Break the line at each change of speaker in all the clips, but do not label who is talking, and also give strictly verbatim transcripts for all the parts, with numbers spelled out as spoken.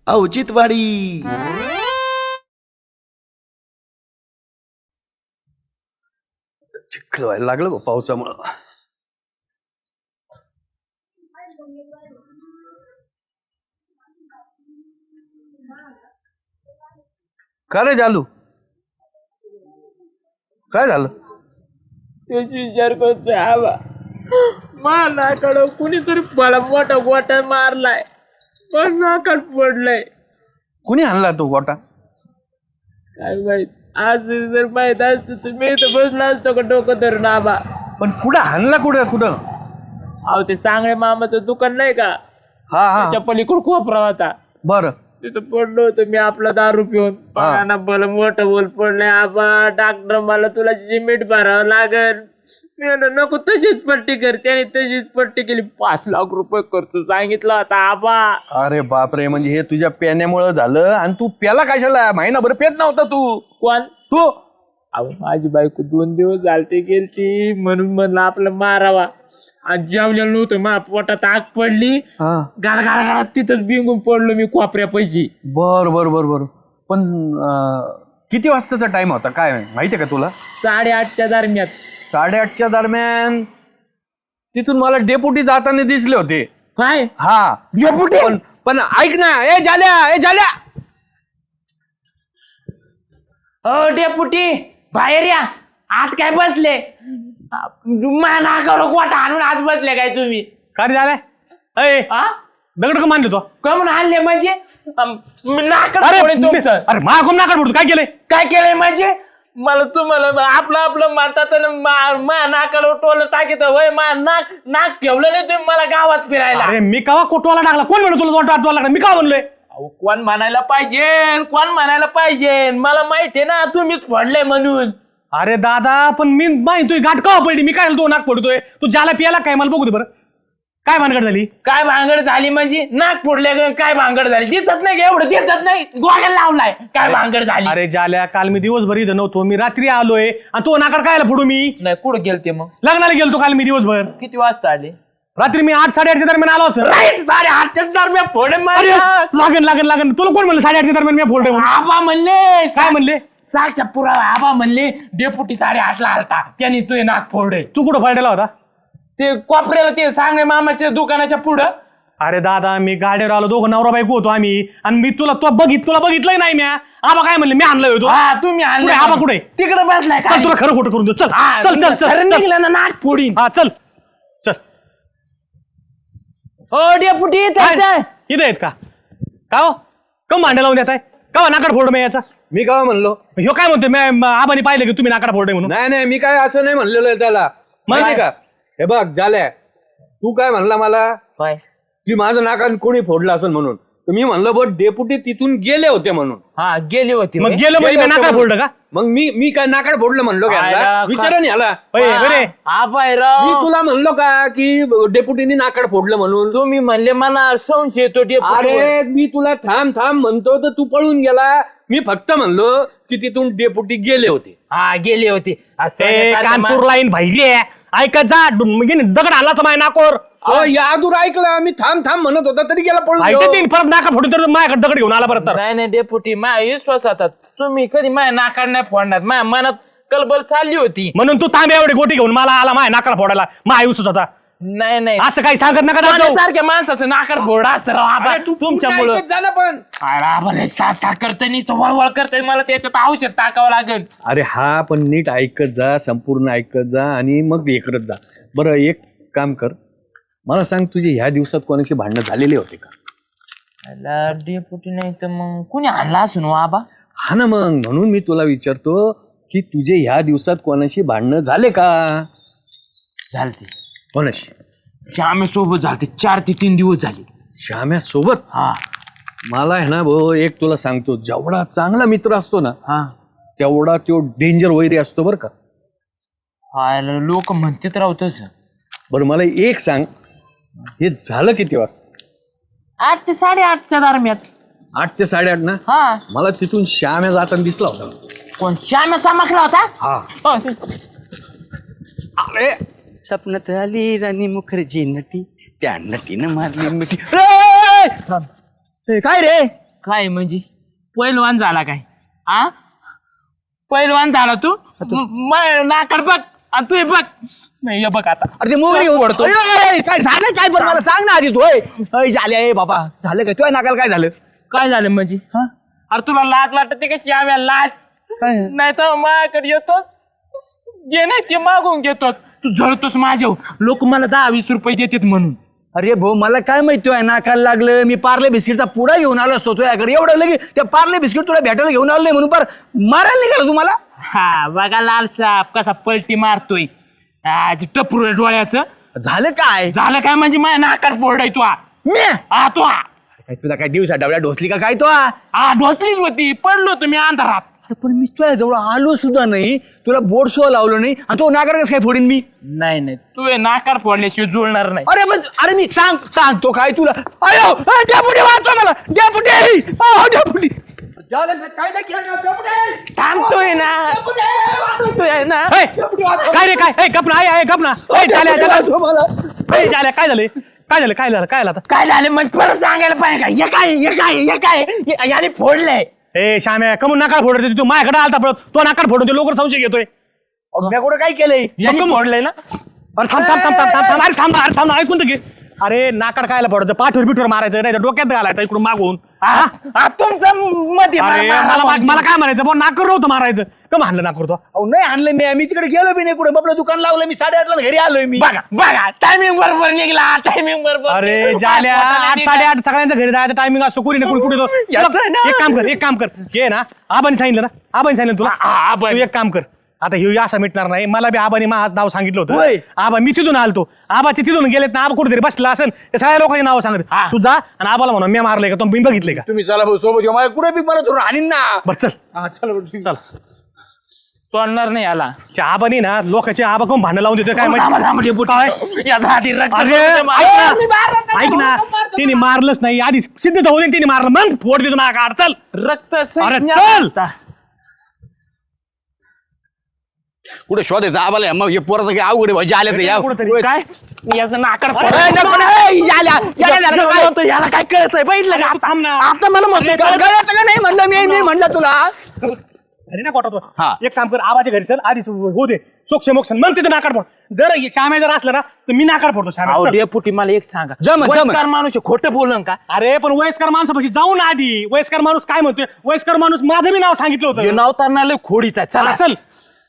औचित्यवाडी.
चिखल व्हायला लागलं गो पावसामुळं. का रे जालू, काय झालं?
त्याची विचार करतोय आबा, मानाकडं कुणीतरी मला मोठा गोटा मारलाय, पण नाकात पडलंय.
कुणी आणला तो गोटा?
काय माहित, आज जर माहित असतं तर मी तर बसला असतो का डोकं धरून आबा.
पण कुठं आणला? कुठं कुठं?
अहो ते सांगळे मामाचं दुकान नाही का,
हा हा
त्याच्या पलीकडे कोपरा होता,
बर.
तिथं पडलो होतो मी आपला दारू पिऊन. पाण्याना बल मोठं बोल पडलंय आबा. डॉक्टर मला तुला सिमेंट भरावं लागल. मी म्हणलं नको, तशीच पट्टी कर. त्याने तशीच पट्टी केली. पाच लाख रुपये खर्च सांगितला होता आबा.
अरे बापरे, म्हणजे हे तुझ्या पेण्यामुळं झालं. आणि तू प्याला कशाला? महिनाभर पेत नव्हता तू.
कोण?
तू.
अहो माझी बायको दोन दिवस झालते गेलती, म्हणून म्हणलं आपलं मारावा. आज जेवलेलं नव्हतं, मा पोटात आग पडली. गाडा गाडा गाडा तिथंच बिंगून पडलो मी कोपऱ्या पैशी.
बर बर बर बर. पण अं, किती वाजताचा टाइम होता काय माहितीये का तुला?
साडेआठच्या दरम्यान.
साडेआठच्या दरम्यान तिथून मला डेपुटी जाताना दिसले होते.
काय?
हा
डेपुटी?
पण पण ऐक ना, ए झाल्या ए झाल्या.
हो डेपुटी, बाहेर या. आज काय बसले नाकावर गोटा आणून आज बसले काय तुम्ही?
काय झालंय? अय दगड का मानले तो?
कमून आणले म्हणजे? अम, मी नाकात
अरे
फोडेन तुमचं.
अरे मा कोण नाकात फोडतो? काय केलंय?
काय केलंय म्हणजे? मला तुम्हाला आपलं आपलं म्हणतात मा नाकाला टोल टाकीत. वय मा नाक नाक ठेवलं नाही तुम्ही मला गावात फिरायला.
अरे मी कवा कोटवाला टाकला? कोण म्हणतो तुला वाट वाटवायला लागला? मी का म्हणलोय?
अहो कोण म्हणायला पाहिजे, कोण म्हणायला पाहिजे? मला माहितीये ना तुम्हीच फोडलंय म्हणून.
अरे दादा, पण मी माहिती तुझी गाठ कवा पडली? मी काय तो नाक फोडतोय? तू ज्याला पियाला काय मला बघू दे बरं. काय भानगड झाली?
काय भांगड झाली म्हणजे? नाक फोडले काय भांगड झाली? दिसत नाही का एवढं? दिसत नाही? गोळ्या लावलाय काय भांगड झाली?
अरे जाल्या, काल मी दिवसभर इथं नव्हतो. मी रात्री आलोय आणि तो नाकाड कायला फोडू मी?
नाही कुठं गेलते मग?
लग्नाला गेलतो काल मी दिवसभर.
किती वाजता आले?
रात्री मी आठ साडेआठच्या दरम्यान आलो असं.
राईट, साडे आठच्या दरम्यान फोडे.
लागन लागन लागन. तुला कोण म्हणलं साडेआठच्या दरम्यान मी फोडले म्हणून?
आबा म्हणले.
काय म्हणले?
साक्षा पुरावा. आबा म्हणले डेपुटी साडे आठला आलता, त्यांनी तुझे नाक फोडे.
तू कुठं फाडलेला होता?
ते कोपऱ्याला ते सांगणे मामाच्या दुकानाच्या पुढं.
अरे दादा, मी गाडीवर आलो, दोघं नवरा बायको होतो आम्ही. आणि मी तुला तो बघित तुला बघितलंय नाही म्या. आबा काय म्हणले? मी आणलोय होतो.
हा तुम्ही आणले.
आबा कुठे?
तिकडे बसलाय.
चल तुला खरं खोटं करून देऊ. चल चल चल चल
निघलं ना नाक फोडीन.
हा चल चल.
हो डेपुटी
इथं आहेत का? का हो कम भांडे लावून देताय? का नाकाड फोड मी याचा?
मी काय म्हणलो?
ह्यो काय म्हणतोय? मी आबानी पाहिलं की तुम्ही नाकाड फोडे म्हणून.
नाही नाही, मी काय असं नाही म्हणलेलो आहे त्याला. माहिती का? हे बघ झाल्या, तू काय म्हणला मला की माझं नाकान कोणी फोडलं असेल म्हणून. तर मी म्हणलं बघ डेपुटी तिथून गेले होते म्हणून.
हा गेले होते.
मग गेलं म्हणजे नाकाड फोडलं का?
मग मी मी काय नाकाड फोडलं म्हणलो का? विचारा ह्याला. मी तुला म्हणलो का की डेपुटीनी नाकाड फोडलं म्हणून?
तुम्ही म्हणले मला संशय येतो डेपुटी.
अरे मी तुला थांब थांब म्हणतो तर तू पळून गेला. मी फक्त म्हणलो की तिथून डेपुटी गेले होते.
हा गेले होते.
कानपूर लाईन भाई ऐकत जा. दगड आला तर माझ्या नाकोर.
यादूर ऐकला मी थांब थांब म्हणत होता तरी गेला पळून.
परत नाका फोडून तर माझ्याकडे दगड घेऊन आला परत. तर
नाही नाही डेपुटी, माझ्या विश्वास आता तुम्ही कधी माझ्या नाकाड नाही फोडणार. माझ्या मनात कलबल चालली होती
म्हणून तू तांबे एवढी गोटी घेऊन मला आला माझ्या नाकाला फोडायला. माझा विश्वास होता.
नाही नाही
असं काही सांगत नका जाऊ.
सारख्या माणसाचं नाकाड फोड असतं तुमच्यामुळं.
झालं पण
सासा करतोय नुसतं वळवळ करतोय. मला त्याच्यात औषध टाकावं लागेल.
अरे हा पण नीट ऐकत जा, संपूर्ण ऐकत जा आणि मग हे करत जा. बरं एक काम कर, मला सांग तुझे ह्या दिवसात कोणाशी भांडणं झालेले होते का?
डेपुटी नाही तर मग कुणी आणला असून आबा.
हा ना, मग म्हणून मी तुला विचारतो की तुझे ह्या दिवसात कोणाशी भांडणं झाले का?
झालते.
कोणाशी?
श्यामे सोबत झालते. चार ते तीन दिवस झाले.
श्याम्या सोबत?
हा.
मला आहे ना भाऊ एक तुला सांगतो, जेवढा चांगला मित्र असतो ना
हा
तेवढा तो डेंजर वैरी असतो बरं का.
हा लोक म्हणतात राव तसं.
बरं मला एक सांग, हे झालं किती वाजता?
आठ ते साडेआठच्या दरम्यान.
आठ ते साडेआठ ना?
हा.
मला तिथून श्याम्या जाताना दिसला होता.
कोण? श्याम्या चमकला होता?
हा.
अरे स्वप्नात आली राणी मुखर्जी नटी, त्या नटीनं मारली मिठी. काय रे
काय म्हणजे पहिलवान झाला काय आ पहिलवान झाला तू म- नाकार बघ आणि तू हे बघ नाही हे बघ आता
अरे ते मोगरी घेऊन
ओढतो.
अय, अय, अय, काय झालं काय पण मला सांग ना आधी तू होय अय, झाले आहे बाबा झालं काय तुझ्या नाकाला काय झालं
काय झालं म्हणजे
हा?
अरे तुला लाज वाटते कशी आम्ही लाज
काय
नाही तर माझ्याकडे येतोस जे नाही ते मागून घेतोस तू जळतोस माझ्यावर लोक मला दहा वीस रुपये देतात म्हणून
अरे भाऊ मला काय माहिती आहे नाकाला लागलं मी पार्ले बिस्किटचा पुडा घेऊन आलो असतो तुझ्याकडे एवढं लगे त्या पार्ले बिस्किट तुला भेटायला घेऊन आलो नाही म्हणून पर मारायला निघाला तुम्हाला
हा बघा लाल साप कसा पलटी मारतोय आज टपरू आहे डोळ्याचं
झालं काय
झालं काय म्हणजे माझ्या नाकार पोरडाय तू आ
मी
आ, तू आ.
काय तुला काय दिवसा डबड्या ढोसली का काय तो
आ ढोसलीच होती पडलो तुम्ही अंधारात
पण मी तुझ्या जवळ आलो सुद्धा नाही तुला बोर्ड सुद्धा लावलं नाही आणि तो नाकार कसं काय फोडीन मी
नाही नाही तू हे नाकार फोडल्याशिवाय जुळणार नाही
अरे पण अरे मी सांग सांगतो काय तुला अयो डेपुटी वाचतो मला डेपुटी अहो, डेपुटी झालं ना, काय नाही केलं ना, डेपुटी.
थांबतोय ना
डेपुटी, वाचतो.
थांबतोय ना
ए, काय रे काय गपना आहे गपना झाल्या
डेपुटी, वाचतो मला.
झाल्या काय झालं काय झालं काय झालं काय झालं आता
काय झालं मग परत सांगायला पाहिजे का हे काय हे काय हे काय हे- याने फोडलंय
ए श्याम्या कमून नाकार फोडत होती, तू माझ्याकडे आलता पडत तो नाकार फोडून लोक संशय घेतोय
अहो, मी कुठं काय केलंय
याने फोडलंय ना
अरे थांब थांब थांब थांब थांब थांब अरे थांब अरे थांब ऐकून तर घे अरे नाकार कायला पडतं पाठवर बिठवर मारायचं नाही तर डोक्यात घालायचं इकडून मागून
आ, आ, तुमचं मध्ये
अरे मला मा- मला काय म्हणायचं पण नाकर नव्हतं मारायचं का मानलं नाकर तो
अहो नाही आणलं मी मी तिकडे गेलो बी नाही कुठे आपलं दुकान लावलं मी साडेआठला घरी आलोय मी
बघा बघा टायमिंग बरोबर निघला टायमिंग बरोबर
अरे झाल्या आठ साडेआठ सगळ्यांच्या घरी जायचं टायमिंग असतो कुणी ना कुणी कुठे तो
याचं ना.
एक काम कर एक काम कर जे ना आबानी सांगितलं ना आबानी सांगितलं तुला
हा, हा, आबानी.
तू एक काम कर आता हे असं मिटणार नाही मला बी आबानी माझं नाव सांगितलं
होय.
होतं आबा मी तिथून आलतो आबा ते तिथून गेलेत ना आबा कुठेतरी बसला असेल ते सगळ्या लोकांची नाव सांगत
हा.
तू जा आणि आबाला म्हणून मी मारलंय का तो मी बघितलंय का
तुम्ही चला भाऊ सोबत येऊ. मला कुठे बी मला धरून आणीन ना
बर चल
हा, चला भाऊ.
चल
तोडणार नाही आला
त्या आबानी ना लोकांचे आबा कोण भांडण लावून देतोय काय माहिती काय
याचा आधी रक्त
अरे
पडतं
ऐक
मला.
ना ऐक ना तिने मारलंच नाही आधी सिद्ध तर होऊ दे तिने मारलं मग फोड देतो ना काढ चल
रक्त
अरे
संज्ञा
चल.
असता.
कुठे शोधायचं आबाला मग हे पोराचं काही अवघड आहे भाऊ. जे आले ते या
कुठंतरी.
काय याचं नाकार
अरे,
फोडलं.
नको ना, ए, याला, याला झालं का काय?
म्हणतो, याला काय कळत नाही बघितलं का आता
थांब ना.
आता मला म्हणतोय कळत-
गळ्याचं का नाही म्हणलं मी मी म्हणलं तुला
घरी ना कोटा
हा.
एक काम कर आबाच्या घरी चल आधी तू हो दे सोक्ष मोक्ष मग तिथे नाकार फोड जर श्याम्या जर असलं ना तर मी नाकार फोडतो श्याम्या
अहो,
चल.
डेपुटी मला एक सांगा
जमन, जमन.
वयस्कर माणूस आहे, खोटं बोलन का
अरे पण वयस्कर माणसापाशी जाऊ ना आधी वयस्कर माणूस काय म्हणतोय वयस्कर माणूस माझं मी नाव सांगितलं
हे
होतं
नाव तर लय खोडीचा आहे.
चला
चला
चल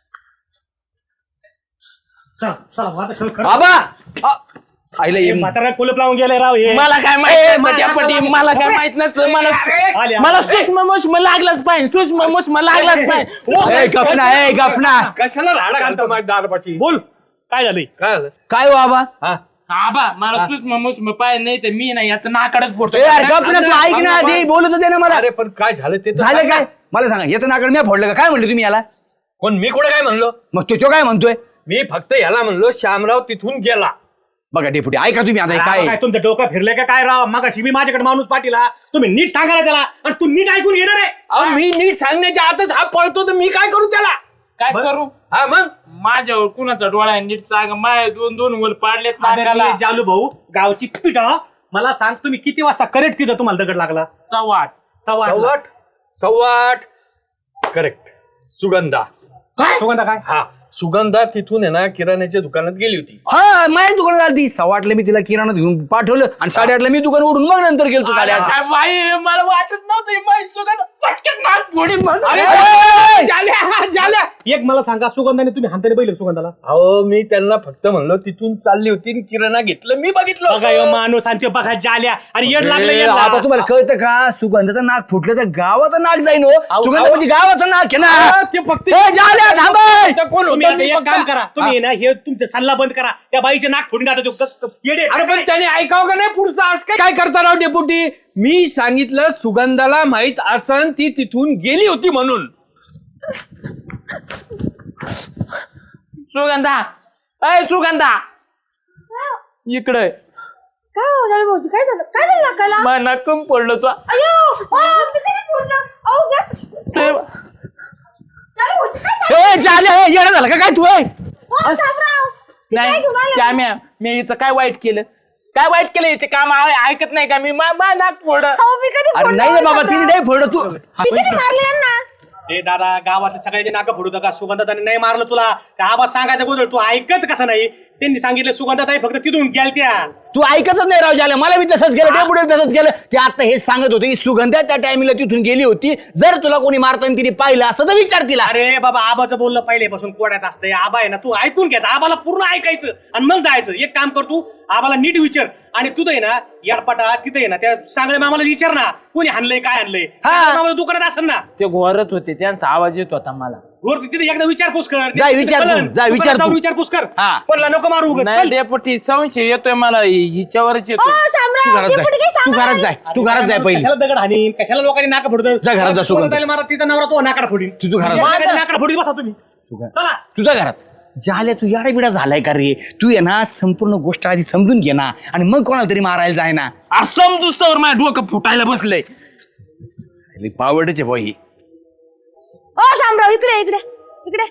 चल चला आता खरं- खरं.
आबा आ, आईला
हे
ये.
म्हातारा कुलप लावून गेलाय राव हे
मला काय माहित नसतं डेपुटी मला काय माहित नसतं मला
आले,
मला
आले.
सूक्ष्म मुष्म लागलाच पाहिजे सूक्ष्म मुष्म लागलाच पाहिजे ओ,
ए, गपना ए गपना
कशाला राडा घालतो माझ्या दारपाची
बोल काय झालंय
काय झालं
काय हो आबा
हा
आबा मला सूक्ष्म मुष्म पाहिजे नाही तर मी ना याचं नाकडच फोडतो
ए यार गपना तू ऐक ना आधी बोलत होते ना मला
अरे पण काय झालं ते तर
झालं
सांग ना.
काय मला सांगा येतं नाकड मी फोडलं का काय म्हणले तुम्ही याला
कोण मी कुठे काय म्हणलो
मग तो तो काय म्हणतोय
मी फक्त याला म्हणलो श्यामराव तिथून गेला
बघा डेपुटी ऐका तुम्ही आता हे
काय
काय
तुमचं डोकं फिरलंय का काय राव मग मी माझ्याकडे माणूस पाठीला तुम्ही नीट सांगायला त्याला आणि तू नीट ऐकून येणार आहे
अहो मी नीट सांगण्याच्या आतच हा पळतो तर मी काय करू त्याला
काय करू
हा मग
माझ्यावर कुणाचा डोळा आहे नीट सांग माझ्या दोन दोन वर पाडलेत नाकाला
आदरणीय जालू भाऊ गावची पिटा मला सांग तुम्ही किती वाजता करेक्ट तिथं तुम्हाला दगड लागला
सव्वा आठ
सव्वा आठला.
सव्वाट सव्वाट करेक्ट सुगंधा
काय
सुगंधा काय
हा सुगंधा तिथून आहे ना किराण्याच्या दुकानात गेली होती
हा माझ्या दुकानात आली सव्वा आठला मी तिला किराणा घेऊन पाठवलं आणि साडेआठला मी दुकान उडून मग नंतर गेलो तू साडेआठ
काय बाई मला वाटत नव्हतं ही बाई सुगंध पटकन नाक फोडीन म्हणून.
अरे,
ए!
जाल्या जाल्या एक मला सांगा सुगंधाने तुम्ही हाताने बैल सुगंधाला
अहो मी त्यांना फक्त म्हणलो तिथून चालली होती आणि किराणा घेतलं मी बघितलं
बघा ह्यो माणूस आणि ते बघा जाल्या आणि येड लागलं
ए,
येड
आता
लागलं.
तुम्हाला कळतं का सुगंधाचं नाक फुटलं तर गावाचं नाक जाईन हो
अहो,
सुगंध
अहो.
म्हणजे गावाचं नाक आहे
हा,
ना
ते फक्त
ए, जाल्या, थांबय.
इथं कोण
तुम्ही
होतं?
आता
मी
एक
फक्त-
काम करा तुम्ही ना हे तुमचे सल्ला बंद करा त्या बाईचे नाक फोडून आता तो क- क- येडे
अरे पण त्याने ऐकावं का नाही पुढचं आज काय काय करता राव डेपुटी मी सांगितलं सुगंधाला माहित असन ती तिथून गेली होती म्हणून
सुगंधा अय सुगंधा इकडे
काय हो झालं भाऊजी काय झालं काय झालं नाकाला
माझ्या नाकम पडलं तू
अयो अ, मी कधी फोडलं अहो गॅस
ते-
झालं भाऊजी काय झालं
ए, जाल्या ए, येडा झाला का काय तू ए?
ओ, शामराव, मी काय
नाही
घेऊन आले?
श्याम्या मी हिचं काय वाईट केलं काय वाईट केलं याचे काम आहे, ऐकत नाही का मी मा मा नाक फोड
अहो मी कधी
अरे
फोडलं
नाही रे
हो
बाबा
शामराव?
तिने नाही फोड तू
मी कधी मारले यांना?
ए दादा गावातले सगळ्यांचे नाका फोडू का सुगंधाताई नाही मारलं तुला त्या आवाज सांगायचा गोंधळ तू ऐकत कसं नाही त्यांनी सांगितलं सुगंधाताई फक्त तिथून गेलत्या
तू ऐकतच नाही राव झालं मला मी तसंच केलं डेपुटी तसंच केलं ते आता हेच सांगत होते की सुगंधा त्या टायमिंगला तिथून गेली होती जर तुला कोणी मारताना तिने पाहिलं असं तर विचार तिला
अरे बाबा आबाचं बोलणं पहिल्यापासून कोड्यात असतंय आबा आहे ना तू ऐकून घ्यायचं आबाला पूर्ण ऐकायचं आणि मग जायचं एक काम कर तू आबाला नीट विचार आणि तू आहे ना याडपाटा तिथे आहे ना त्या सांगळे मामाला विचार ना कोणी हाणलंय काय हाणलंय सांगळे मामाला दुकानात असेल ना
ते घोरत होते त्यांचा आवाज येत होता मला
वर तिथे एकदा विचारपूस कर
जा, विचार
कळलं.
तू, जा,
दुकानात
विचार
जाऊन
तू.
विचारपूस कर
हा.
कोणाला नको मारू उगाच.
नाही डेपुटी संशय येतोय मला हिच्यावरच
हो
येतोय
तू
शामराव
घरात
ते
जाय
कुठे काही
तू
सांगा
घरात जाय तू घरात जाय पहिली
कशाला दगड हाणीन कशाला लोकांनी नाका फोडत
जा घरात जा, सुगंध.
मारा तिचा नवरा तो नाकडा फोडीन
तू- तू घरात जा.
एका नाकडा फोडीन बसा तुम्ही चला
तुझ्या घरात झाल्या तू याडा बिडा झालाय का रे तू ये ना संपूर्ण गोष्ट आधी समजून घे ना आणि मग कोणाला तरी मारायला जाय ना
समजूस्तवर माझ्या डोकं फुटायला बसलंय
पावडचे भाई
हो शामराव इकडे इकडे इकडे.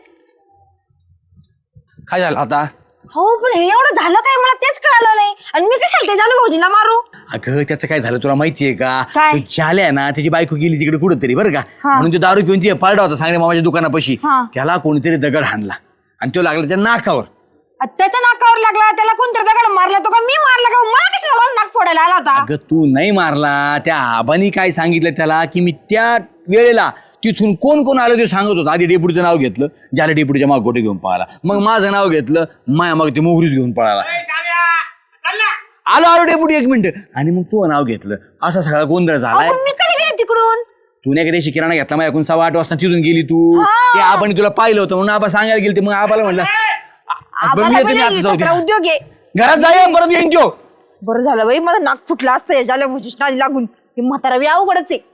काय झालं आता
हो पण हे एवढं झालं काय मला तेच कळालं नाही आणि मी कशाला ते झालं भाऊजीला मारू?
अगं त्याचं काय झालं तुला माहितीये का
काय?
तो झाल्या ना त्याची बायको गेली तिकडे कुठं तरी बरं का
हा.
म्हणून तो दारू पिऊन ती पारडा होता सांगणे मामाच्या दुकानापाशी
हा.
त्याला कोणीतरी दगड हाणला आणि तो लागला त्या नाकावर
आ, त्याच्या नाकावर लागला त्याला कोणतरी दगड मारला तो का मी मारला का मला कशाला माझं नाक फोडायला आला होता?
अगं तू नाही मारला त्या आबानी काय सांगितलं त्याला की मी त्या वेळेला तिथून कोण कोण आलं ते सांगत होतं आधी डेपुटीचं नाव घेतलं ज्याला डेपुटीच्या माग गोटे घेऊन पळाला मग माझं नाव घेतलं माया मग ते मोहरीच घेऊन पळाला आलो आलो डेपुटी एक मिनिट आणि मग तू नाव घेतलं असा सगळा गोंधळ झालाय
अहो, पण मी कधी गेले तिकडून?
तू नाही कधी किराणा घेतला मग एकूण सव्वा आठ वाजता तिथून गेली तू
हा.
ते आपण तुला पाहिलं होतं म्हणून आपण सांगायला गेली मग आबाला म्हणलं बरं, मी
आम्हाला
येतो,
पण
मी आता
हे
जाऊ दे.
सतरा उद्योग आहे.
घरात जाऊया परत येईन त्यो
बरं झालं बाई माझं नाक फुटलं असतं या झाल्या भाऊजीच नादी लागून हे म्हातारा बी अवघडच आहे.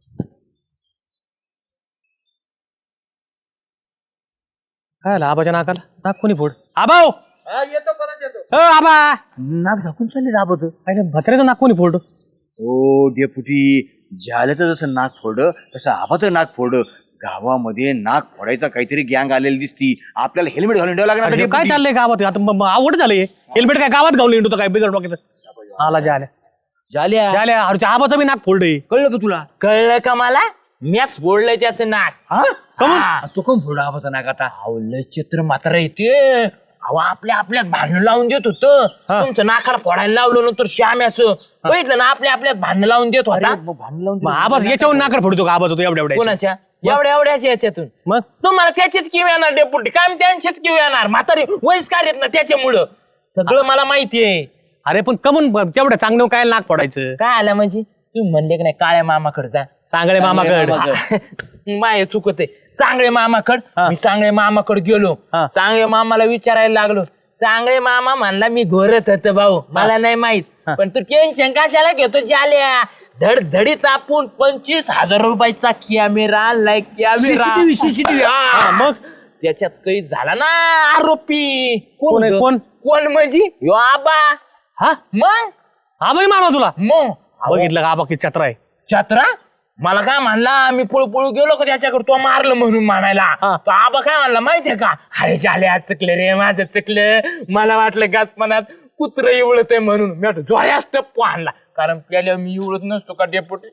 काय आला आबाच्या नाकाला नाक कोणी फोड आबा हो. हो, आबा
नाक झाकून चालले दाबत
अरे भत्र्याचं नाक कोणी फोड
ओ डेपुटी झाल्याचं जसं नाक फोड तसं आबाचं नाक फोड गावामध्ये नाक फोडायचा काहीतरी गँग आलेली दिसती आपल्याला हेल्मेट घालून ठेवावं लागणार आता
काय
डेपुटी.
चाललंय गावात आता म- म- आवड झालंय हेल्मेट काय गावात गावलं इंटू काय बिगर डोक्याचं आला जाल्या
झाल्या
जाल्या अरे आबाचं बी नाक फोडलंय
कळलं का तुला
कळलं का मला मॅच फोडलंय त्याचं नाक
हा
हा.
तो कोण फोड आबाचा नाक आता
अहो, लय चित्र मात्र येते अहो आपल्या आपल्यात भांडण लावून देत होतं तुमचं नाकाला फोडायला लावलं नंतर श्याम्याचं बघितलं ना आपल्या आपल्यात भांडण लावून देत होता
भांडण
मग आबाच याच्यावर नाकर फोडतो का आबाचं तो एवढ्या एवढ्या
कोणाच्या एवढ्या एवढ्याच्या याच्यातून
मग
तुम्हाला त्याचीच किव येणार डेपुटी काय त्यांचीच किव येणार म्हातारी वयस्कार येत ना त्याच्यामुळं सगळं मला माहितीये
अरे पण कमून तेवढ्या चांगलं काय नाक फोडायचं
काय आलं म्हणजे तुम्ही म्हणले की नाही काळ्या मामाकडे जा
सांगळे मामाकड
माय चुकत आहे सांगळे मामाकड मी सांगळे मामाकडे गेलो
हा.
सांगळे मामाला विचारायला लागलो सांगळे मामा म्हणला मी घोरत होतो भाऊ मला नाही माहित पण तू टेन्शन कशाला घेतो जाल्या धडधडीत आपण पंचवीस हजार रुपयाचा कॅमेरा आणलाय कॅमेरा
हा, मग
त्याच्यात काही झाला ना आरोपी
कोण आहे,
ग?
कोण?
कोण म्हणजे ह्यो आबा
हा
मग
आबाही मारला तुला
मग
बघितलं का आबा किती छत्र आहे
छत्रा मला काय म्हणला मी पळू पळू गेलो का त्याच्याकडे तो मारलं म्हणून म्हणायला
हा.
तो आबा काय म्हणला माहितीये का अरे झाले आज चुकले रे माझं चुकलं मला वाटलं गातपणात कुत्र इवळत आहे म्हणून मी वाटलं जोऱ्यास टप्पू आणला कारण पहिल्या मी इवळत नसतो का डेपुटी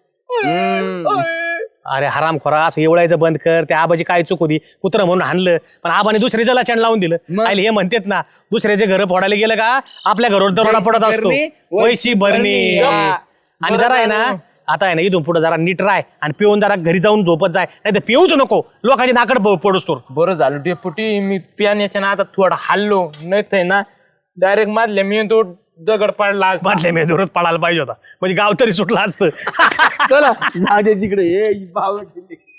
अरे हराम खोरा असं एवढायचं बंद कर त्या आबाची काय चूक होती कुत्र म्हणून हाणलं पण आबाने दुसरे जला चॅन लावून दिलं आणि हे म्हणतात ना दुसऱ्याचे घर फोडायला गेलं का आपल्या घरावर दरोडा पडत असतो वैशी भरणी आणि जरा आहे ना आता आहे ना इथून पुढे जरा नीट राय आणि पिऊन जरा घरी जाऊन झोपत जाय नाही तर पिऊच नको लोकांची नाकड पडूस तो
बरं झालं डेपुटी मी पियाण्याच्या ना आता थोडा हल्लो नाही तर ना डायरेक्ट मारले मी तो दगड पडला असता.
बाटल्या मी दूरच पडायला पाहिजे होता म्हणजे गाव तरी सुटला असतं
चला जाऊ दे तिकडे ए बावळट.